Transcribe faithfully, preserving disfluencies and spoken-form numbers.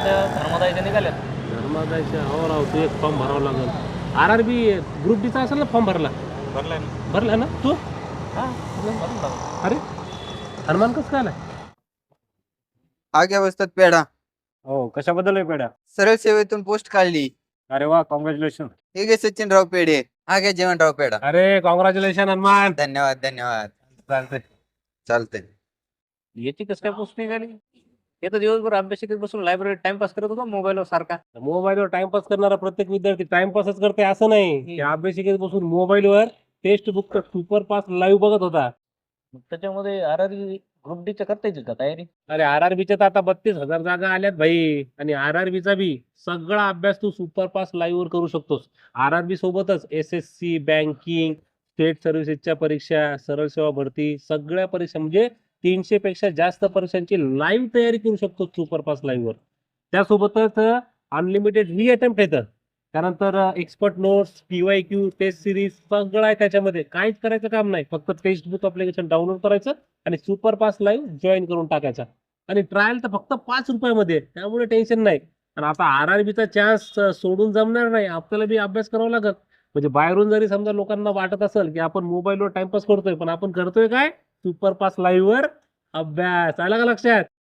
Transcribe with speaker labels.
Speaker 1: त्या धर्मदायच्या निघाल्यात.
Speaker 2: धर्मादायच्या हो राव, तू एक फॉर्म भरावा लागेल. आर आर बी ग्रुप डीचा असेल ना फॉर्म भरला?
Speaker 1: भरलाय ना.
Speaker 2: भरला ना तू?
Speaker 1: हां, भरून टाकू.
Speaker 2: अरे हनुमान कसं काय आलाय?
Speaker 3: आग्या बसतात पेढा.
Speaker 4: हो, कशाबद्दल आहे पेढ्या?
Speaker 3: सरळ सेवेतून पोस्ट काढली.
Speaker 4: अरे वा, कॉंग्रॅच्युलेशन.
Speaker 3: हे घे सचिनराव पेढे. आग्या जेवणराव पेढा.
Speaker 2: अरे कॉंग्रॅच्युलेशन हनुमान.
Speaker 3: धन्यवाद धन्यवाद.
Speaker 2: चालतंय.
Speaker 3: चालतंय.
Speaker 1: याची कसं काय पोस्ट निघाली? हे तर दिवसभर अभ्यास करीत बसून लायब्ररीत टाइमपास करत होता मोबाईलवर सारखा.
Speaker 2: मोबाईलवर टाइमपास करणारा प्रत्येक विद्यार्थी टाइमपासच करते असं नाही. की अभ्यासिकेत बसून मोबाईलवर textbook super pass live बघत होता.
Speaker 1: मग त्याच्यामध्ये आर आर ग्रुप डीच्या करता येतील का तयारी?
Speaker 2: अरे आर आर बीच्या तर आता बत्तीस हजार जागा आल्यात भाई. आणि आर आर बीचा बी सगळा अभ्यास तू सुपर पास लाईव्ह वर करू शकतोस. आर आर बी सोबतच S S C, banking, state सर्व्हिसेसच्या परीक्षा, सरळ सेवा भरती, सगळ्या परीक्षा म्हणजे तीनशे पेक्षा जास्त परीक्षांची लाईव्ह तयारी करू शकतो सुपर पास लाईव्ह वर. त्यासोबतच अनलिमिटेड री अटेम्प्ट येतं. त्यानंतर expert notes, P Y Q, test series सगळं आहे त्याच्यामध्ये. काहीच करायचं काम नाही. फक्त टेक्स्ट बुक अप्लिकेशन डाउनलोड करायचं आणि सुपर पास लाईव्ह जॉईन करून टाकायचा. आणि ट्रायल तर फक्त पाच रुपयामध्ये, त्यामुळे टेन्शन नाही. आणि आता आर आर बीचा चान्स सोडून जमणार नाही. आपल्याला बी अभ्यास करावा लागत. म्हणजे बाहेरून जरी समजा लोकांना वाटत असेल की आपण मोबाईलवर टाइमपास करतोय, पण आपण करतोय काय? सुपर पास लाईव्ह वर अभ्यास. आला का लक्षात?